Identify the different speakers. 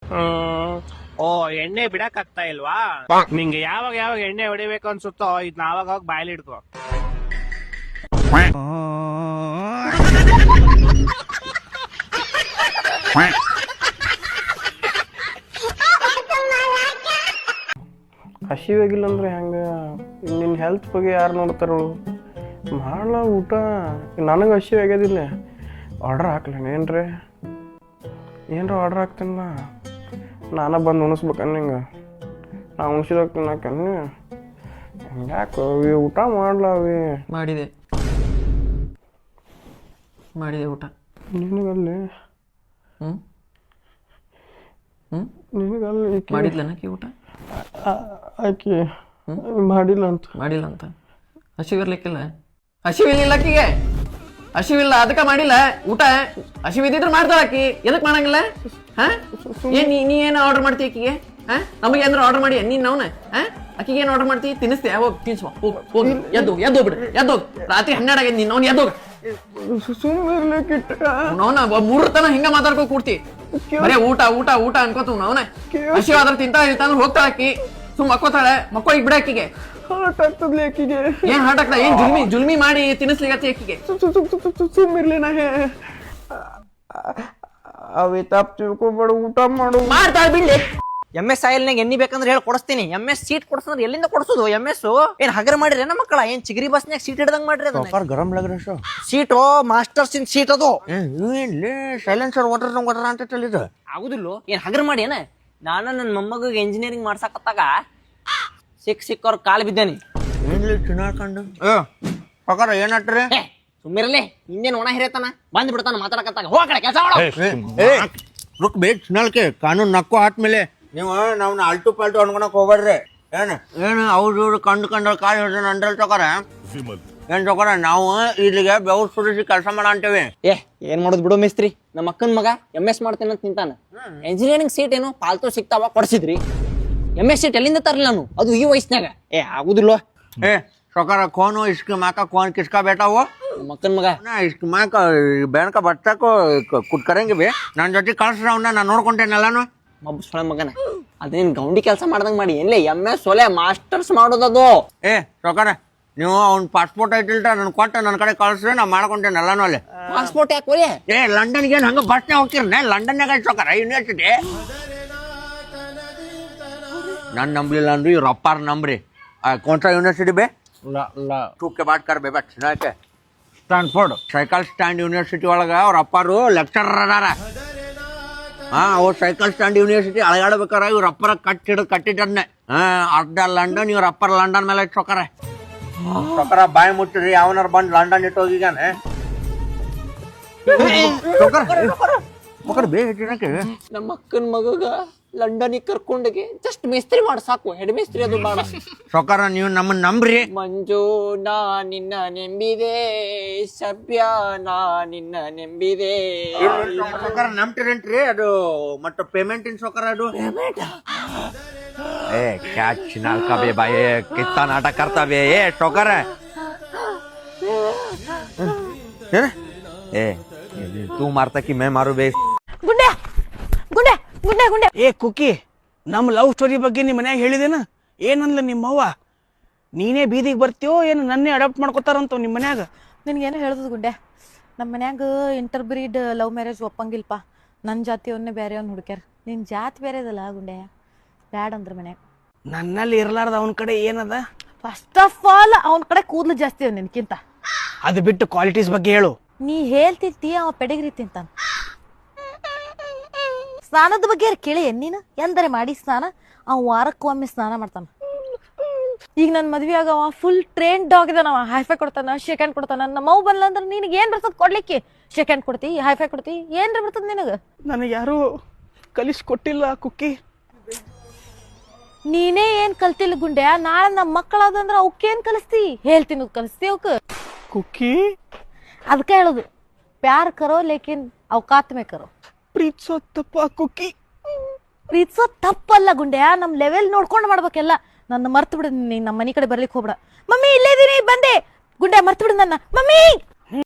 Speaker 1: ಓ ಎಣ್ಣೆ ಬಿಡಕ್ ಆಗ್ತಾ ಇಲ್ವಾ? ನಿಂಗೆ ಯಾವಾಗ ಯಾವಾಗ ಎಣ್ಣೆ ಹೊಡಿಬೇಕು ಅನ್ಸುತ್ತೋ ಇದ್ನ ಆವಾಗ ಹೋಗಿ ಬಾಯಲ್ಲಿ ಇಡ್ಕೋ.
Speaker 2: ಹಸಿವಾಗಿಲ್ಲ ಅಂದ್ರೆ ಹೆಂಗ? ನಿನ್ನ ಹೆಲ್ತ್ ಬಗ್ಗೆ ಯಾರು ನೋಡ್ತಾರೋ? ಮಾಡಲ ಊಟ. ನನಗೆ ಹಸಿವಾಗ್ಯದಿಲ್ಲ. ಆರ್ಡ್ರ್ ಹಾಕ್ಲೇನು ಏನ್ರಿ? ಆರ್ಡ್ರ್ ಹಾಕ್ತೀನಲ್ಲ, ನಾನು ಬಂದು ಉಣಿಸ್ಬೇಕನ್ ನಿಂಗೆ? ನಾ ಉಣಿಸಿದಾಗ ತಿನ್ನಕನ್ನಿ ಹಂಗ್ಯಾಕೆ ಅವಿ? ಊಟ ಮಾಡ್ಲವಿ.
Speaker 3: ಮಾಡಿದೆ ಊಟ.
Speaker 2: ನಿನಗಲ್ಲಿ ನಿನಗಲ್ಲಿ
Speaker 3: ಮಾಡಿದ್ಲನಕ್ಕೆ ಊಟ?
Speaker 2: ಆಕಿ ಮಾಡಿಲ್ಲ ಅಂತ
Speaker 3: ಹಸಿವಿರ್ಲಿಕ್ಕಿಲ್ಲ. ಹಸಿವಿಲ್ಲಕ್ಕಿಗೆ ಹಸಿವಿಲ್ಲ, ಅದಕ್ಕೆ ಮಾಡಿಲ್ಲ ಊಟ. ಹಸಿವಿದ್ದಿದ್ರೆ ಮಾಡ್ತಾಳ ಆಕಿ, ಎದಕ್ ಮಾಡಂಗಿಲ್ಲ? ನೀ ಏನು ಆರ್ಡರ್ ಮಾಡ್ತೀವಿ ಆಕಿಗೆ? ನಮಗೆ ಏನಾರು ಆರ್ಡರ್ ಮಾಡಿ ನೀನ್ ನಾವ್ನ ಆಕಿಗೆ ಏನು ಆರ್ಡರ್ ಮಾಡ್ತೀವಿ? ತಿನ್ನಿಸ್ತೀಯ? ಹೋಗಿ ತಿನ್ಸುವ, ಹೋಗಿ ಎದ್ದೋಗ್ಬಿಡ್ರಿ, ಎದ್ದೋಗ್. ರಾತ್ರಿ 12 ಆಗೈತಿ, ನೀನ್ ಅವ್ನು ಎದ್ದೋಗ. ಅವನ 3 ತನ ಹಿಂಗ ಮಾತಾಡ್ಕೊ ಕೂಡ್ತಿ. ಬರೇ ಊಟ ಊಟ ಊಟ ಅನ್ಕೋತ ಅವನ ಹಸಿವಾದ್ರ ತಿಂತ ಇರ್ತಾನ. ಹೋಗ್ತಾಳ ಆಕಿ, ಸುಮ್ ಮಕ್ಕೋತಾಳೆ. ಮಕ್ಕೋಳಿಗೆ ಬಿಡ ಆಕಿಗೆ.
Speaker 2: ಹಾರ್ಟ್ ಆಗ್ತದ್ಲಿ ಆಕಿಗೆ.
Speaker 3: ಏನ್ ಹಾರ್ಟ್ ಆಗ್ತದ? ಏನ್ ಜುಲ್ಮಿ ಮಾಡಿ ತಿನ್ನಿಸ್ಲಿಕ್ಕೆ ಆಕಿಗೆ?
Speaker 2: ಸುಮ್ಮಿರ್ಲಿ. ನಾ ಅವಿ ತಪ್ಪು ತಿಳ್ಕೊಬೇಡ, ಊಟ ಮಾಡು.
Speaker 3: ಮಾಡ್ತಾಳ ಬಿಡ್ಲಿ.
Speaker 4: MS ಆಯಿಲ್ನಾಗ ಎಣ್ಣಿ ಬೇಕಂದ್ರೆ ಹೇಳಿ ಕೊಡಿಸ್ತೀನಿ. MS ಸೀಟ್ ಕೊಡ್ಸಂದ್ರೆ ಎಲ್ಲಿಂದ ಕೊಡ್ಸೋದು? MS ಏನ್ ಹಗರ ಮಾಡಿರಿ ನಮ್ಮ ಮಕ್ಕಳ? ಏನ್ ಚಿಗರಿ ಬಸ್ನ್ಯಾಗ ಸೀಟ್ ಹಿಡ್ದಂಗ್ ಮಾಡ್ರಿ?
Speaker 2: ಗರಂ ಲಗ್ರ
Speaker 4: ಸೀಟು ಮಾಸ್ಟರ್ಸ್ ಇನ್ ಸೀಟ್ ಅದು.
Speaker 2: ಸೈಲೆನ್ಸರ್ ವಾಟರ್ ಅಂತ ಹೇಳಿದ
Speaker 4: ಆಗುದಿಲ್ಲ. ಏನ್ ಹಗರ ಮಾಡಿ ಏನ? ನಾನು ನನ್ನ ಮೊಮ್ಮಗ ಇಂಜಿನಿಯರಿಂಗ್ ಮಾಡ್ಸಕತ್ತಾಗ ಸಿಕ್ಕವ್ರ ಕಾಲ್ ಬಿದ್ದೇನಿ.
Speaker 2: ಚಿನ್ನಾಡ್ಕೊಂಡು ಪ್ರಕಾರ ಏನಾಟ್ರಿ?
Speaker 4: ಸುಮ್ಮಿರಲಿ, ಹಿಂದೇನ್ ಒಣ ಹಿರೇತನ ಬಂದ್ ಬಿಡ್ತಾನ ಮಾತಾಡಕತ್ತಾಗ. ಹೋಗಡೆ ಕೆಲಸ
Speaker 2: ರುಕ್ ಬೇಕ್ ಚಿನ್ನಲ್ಕೆ ಕಾನೂನು ನಕ್ಕು ಆದ್ಮೇಲೆ ನೀವು ನಾವ್ನ ಅಲ್ಟು ಪಾಲ್ಟು ಅನ್ಕೊಳಕ್ ಹೋಗ್ಬೇಡ್ರಿ. ಏನು ಅವ್ರು ಕಂಡು ಕಾಲ್ ಹಿಡಿದ ಅಂದ್ರಲ್ಲಿ ತಗೋರ ಏನ್ ತಗೋರ? ನಾವು ಇಲ್ಲಿಗೆ ಬೆವ್ರು ಸುರಿಸಿ ಕೆಲಸ ಮಾಡ ಅಂತೇವಿ.
Speaker 4: ಏನ್ ಮಾಡೋದು ಬಿಡು ಮಿಸ್ತ್ರಿ. ನಮ್ಮ ಅಕ್ಕನ ಮಗ MS ಮಾಡ್ತೇನೆ ಅಂತ ನಿಂತಾನ. ಇಂಜಿನಿಯರಿಂಗ್ ಸೀಟ್ ಏನು ಪಾಲ್ತು ಸಿಕ್ತಾವ ಕೊಡ್ಸಿದ್ರಿ. MS ಸೀಟ್ ಎಲ್ಲಿಂದ ತರಲಿ ನಾನು, ಅದು ಈ ವಯಸ್ಸಿನಾಗ? ಆಗುದಿಲ್ಲ.
Speaker 2: ಸೊಕಾರ ಕೋನು ಇಸ್ಕ ಮಾಕ ಕೋನ್ ಕಿಸ್ಕಾ ಬೇಟಾವು
Speaker 4: ನಮ್ಮ ಅಕ್ಕನ ಮಗ
Speaker 2: ಇಸ್ಕ ಮಾಕ ಬೇಣಕ ಬರ್ತಕೋ ಕುಟ್ಕರಂಗೆ ಬೇ ನನ್ನ ಜೊತೆ ಕಳ್ಸ್ರ ಅವ್ನ ನಾನು ನೋಡ್ಕೊಂತೇನಲ್ಲಾನು.
Speaker 4: ಮಬ್ಬ ಸೊಳೆ ಮಗನ, ಅದೇನ್ ಗೌಂಡಿ ಕೆಲಸ ಮಾಡ್ದಂಗ್ ಮಾಡಿ ಏನ್ಲೇ MS ಸೊಲೆ ಮಾಸ್ಟರ್ಸ್ ಮಾಡೋದದು.
Speaker 2: ಸೊಕಾರ ನೀವು ಅವ್ನ ಪಾಸ್ಪೋರ್ಟ್ ಐತಿಲ್ರ ನನ್ ಕೊಟ್ಟ ನನ್ನ ಕಡೆ ಕಳ್ಸ್ರೆ ನಾ ಮಾಡ್ಕೊಂತೇನಲ್ಲಾನು. ಅಲ್ಲಿ
Speaker 4: ಪಾಸ್ಪೋರ್ಟ್ ಯಾಕೆ ಒಲೆ?
Speaker 2: ಲಂಡನ್ಗೆ ಏನ್ ಹಂಗ ಬಸ್ನಾಗ ಹೋಗ್ತಿರ್ನೆ? ಲಂಡನ್ಯಾಗ ಐತಿ ಸೊಕಾರ ಯೂನಿವರ್ಸಿಟಿ. ನನ್ ನಂಬ್ಲಿಲ್ಲ ಅಂದ್ರಿ ಇವ್ರ ಅಪ್ಪಾರ ನಂಬ್ರಿ. कौन सा यूनिवर्सिटी बे? टूक के बात कर बे बट के स्टैनफोर्ड साइकिल स्टैंड यूनिवर्सिटी ಒಳಗ ಅವ್ರ ಅಪ್ಪಾರು ಲೆಕ್ಚರರ್ ಅದಾರ. ಅವ್ರ ಸೈಕಲ್ ಸ್ಟ್ಯಾಂಡ್ ಯೂನಿವರ್ಸಿಟಿ ಅಳಗಾಡ್ಬೇಕಾರ ಇವ್ರ ಅಪ್ಪರ ಕಟ್ಟಿಟ್ಟದ್ನೆ. ಅರ್ಧ ಲಂಡನ್ ಇವ್ರ ಅಪ್ಪರ ಲಂಡನ್ ಮೇಲೆ ಸೊಕರ ಬಾಯಿ ಮುಟ್ಟಿರಿ. ಯಾವನಾರ ಬಂದ್ ಲಂಡನ್ ಇಟ್ಟು ಹೋಗಿಗಾನೆ ಬೇ ಹೆಚ್ಚಿನಕ್ಕೆ.
Speaker 4: ನಮ್ಮ ಅಕ್ಕನ ಮಗಗ ಲಂಡನಿಗೆ ಕರ್ಕೊಂಡೋಗಿ ಜಸ್ಟ್ ಮೇಸ್ತ್ರಿ ಮಾಡ ಸಾಕು, ಹೆಡ್ ಮೇಸ್ತ್ರಿ ಅದು ಮಾಡ.
Speaker 2: ಸೊಕಾರ ನೀವು ನಮ್ಮನ್ನ ನಂಬ್ರಿ.
Speaker 4: ಮಂಜು ನಾ ನಿನ್ನ ನೆಂಬಿದೆ, ಸಭ್ಯ ನಾ ನಿನ್ನ ನೆಂಬಿದೆ.
Speaker 2: ಸೊಕಾರ ನಂಬ್ತಿರೇನ್ರಿ? ಅದು ಮತ್ತೆ ಪೇಮೆಂಟ್ ಇನ್ ಸೊಕಾರ ಅದು क्या चिनाल का बे भाई कितना नाटक करता बे सौकर तू मारता कि मैं मारू बे.
Speaker 5: ಗುಂಡೆ ಗುಂಡೆ ಗುಂಡೆ ಗುಂಡೆ
Speaker 6: ಕುಕ್ಕಿ, ನಮ್ಮ ಲವ್ ಸ್ಟೋರಿ ಬಗ್ಗೆ ನಿಮ್ಮ ಮನ್ಯಾಗ ಹೇಳಿದೇನ? ಏನನ್ಲ ನಿಮ್ಮವ್ವ? ನೀನೇ ಬೀದಿಗೆ ಬರ್ತೀಯೋ ಏನು ನನ್ನೇ ಅಡಾಪ್ಟ್ ಮಾಡ್ಕೋತಾರಂತ ನಿಮ್ಮ ಮನ್ಯಾಗ?
Speaker 5: ನಿನ್ಗೇನು ಹೇಳ್ದದು ಗುಂಡೆ, ನಮ್ಮ ಮನ್ಯಾಗ ಇಂಟರ್ಬ್ರೀಡ್ ಲವ್ ಮ್ಯಾರೇಜ್ ಒಪ್ಪಂಗಿಲ್ಪ. ನನ್ನ ಜಾತಿಯವನ್ನೇ ಬೇರೆಯವ್ನ ಹುಡುಕ್ಯಾರ. ನಿನ್ನ ಜಾತಿ ಬೇರೆದಲ್ಲ ಗುಂಡೆ, ಬ್ಯಾಡ್ ಅಂದ್ರ ಮನ್ಯಾಗ.
Speaker 6: ನನ್ನಲ್ಲಿ ಇರ್ಲಾರ್ದ ಅವನ ಕಡೆ ಏನದ?
Speaker 5: ಫಸ್ಟ್ ಆಫ್ ಆಲ್ ಅವನ ಕಡೆ ಕೂದಲು ಜಾಸ್ತಿ ಅವ ನಿನ್ಕಿಂತ.
Speaker 6: ಅದು ಬಿಟ್ಟು ಕ್ವಾಲಿಟೀಸ್ ಬಗ್ಗೆ ಹೇಳು.
Speaker 5: ನೀ ಹೇಳ್ತಿರ್ತಿ ಅವ ಪೆಡಗಿರಿ ತಿಂತಾನ. ಸ್ನಾನದ ಬಗ್ಗೆ ಕೇಳಿ ನೀನು ಎಂದರೆ ಮಾಡಿ ಸ್ನಾನ. ಅವ ವಾರಕ್ಕೊಮ್ಮೆ ಸ್ನಾನ ಮಾಡ್ತಾನ. ಈಗ ನನ್ನ ಮದ್ವೆ ಆಗವ ಫುಲ್ ಟ್ರೈನ್ ಡಾಗ್ ಇದಾನವ. ಹೈಫೈ ಕೊಡ್ತಾನ, ಶೇಕ್ ಹ್ಯಾಂಡ್ ಕೊಡ್ತಾನ. ನಮ್ಮ ಮೌ ಬಂದ್ಲ ಅಂದ್ರೆ ನಿನಗೆ ಏನ್ ಬರ್ತದ ಕೊಡ್ಲಿಕ್ಕೆ? ಶೇಕ್ ಹ್ಯಾಂಡ್ ಕೊಡ್ತಿ, ಹೈಫೈ ಕೊಡ್ತಿ, ಏನ್ರ ಬರ್ತದ ನಿನಗ?
Speaker 6: ನನಗೆ ಯಾರು ಕಲಿಸ್ಕೊಟ್ಟಿಲ್ಲ ಕುಕ್ಕಿ.
Speaker 5: ನೀನೇ ಏನ್ ಕಲ್ತಿಲ್ಲ ಗುಂಡೆ. ನಾಳೆ ನಮ್ಮ ಮಕ್ಕಳಾದಂದ್ರ ಅವಕ್ಕೇನ್ ಕಲಿಸ್ತಿ? ಹೇಳ್ತೀನಿ ಕಲಿಸ್ತಿ ಅವಕ್
Speaker 6: ಕುಕ್ಕಿ.
Speaker 5: ಅದಕ್ಕೆ ಹೇಳುದು, ಪ್ಯಾರ್ ಕರೋ ಲೇಕಿನ್ ಅವಕಾತ್ ಮೇ ಕರೋ.
Speaker 6: ಪ್ರೀತಿಸೋ ತಪ್ಪ ಕುಕ್ಕಿ.
Speaker 5: ಪ್ರೀತಿಸೋ ತಪ್ಪಲ್ಲ ಗುಂಡೆ, ನಮ್ ಲೆವೆಲ್ ನೋಡ್ಕೊಂಡು ಮಾಡ್ಬೇಕೆಲ್ಲ. ನನ್ನ ಮರ್ತು ಬಿಡ, ನೀನ್ ನಮ್ಮ ಮನಿ ಕಡೆ ಬರ್ಲಿಕ್ಕೆ ಹೋಗ್ಬೇಡ. ಮಮ್ಮಿ ಇಲ್ಲೇ ಇದೀನಿ ಬಂದೆ. ಗುಂಡೆ ಮರ್ತು ಬಿಡು ನನ್ನ. ಮಮ್ಮಿ